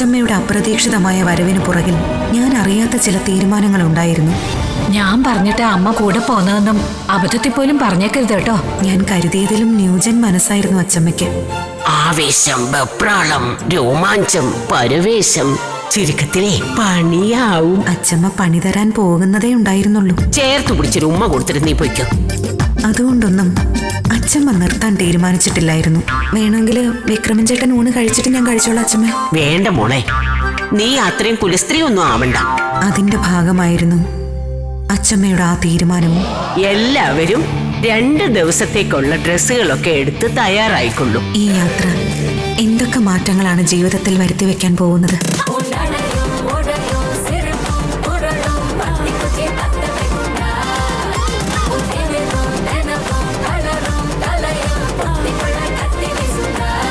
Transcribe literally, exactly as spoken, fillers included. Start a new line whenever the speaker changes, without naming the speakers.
അച്ചമ്മയുടെ അപ്രതീക്ഷിതമായ വരവിന് പുറകിൽ ഞാൻ അറിയാത്ത ചില തീരുമാനങ്ങൾ ഉണ്ടായിരുന്നു.
ഞാൻ പറഞ്ഞിട്ട് അമ്മ കൂടെ പോന്നതെന്നും അബദ്ധത്തിൽ പോലും പറഞ്ഞേക്കരുത് കേട്ടോ.
ഞാൻ കരുതിയതിലും ന്യൂജൻ മനസ്സായിരുന്നു അച്ചമ്മയ്ക്ക്.
ആവേശം, വെപ്രാളം, രോമാഞ്ചം, പരവേശം, ചുരുക്കത്തിലെ പണിയാവും.
അച്ചമ്മ പണി തരാൻ പോകുന്നതേ ഉണ്ടായിരുന്നുള്ളൂ.
ചേർത്ത് പിടിച്ചൊരു ഉമ്മ കൊടുത്തിട്ട് നീ പൊയ്ക്കോ.
അതുകൊണ്ടൊന്നും അച്ചമ്മ നിർത്താൻ തീരുമാനിച്ചിട്ടില്ലായിരുന്നു. വേണമെങ്കിൽ വിക്രമൻ ചേട്ടൻ ഊണ് കഴിച്ചിട്ട് ഞാൻ കഴിച്ചോളാം അച്ചമ്മ.
വേണ്ട മോളെ, നീ അത്രയും കുലസ്ത്രീ ഒന്നും ആവണ്ട.
അതിന്റെ ഭാഗമായിരുന്നു അച്ചമ്മയുടെ ആ തീരുമാനവും.
എല്ലാവരും രണ്ട് ദിവസത്തേക്കുള്ള ഡ്രസ്സുകളൊക്കെ എടുത്ത് തയ്യാറായിക്കൊള്ളും.
ഈ യാത്ര എന്തൊക്കെ മാറ്റങ്ങളാണ് ജീവിതത്തിൽ വരുത്തി വെക്കാൻ പോകുന്നത്.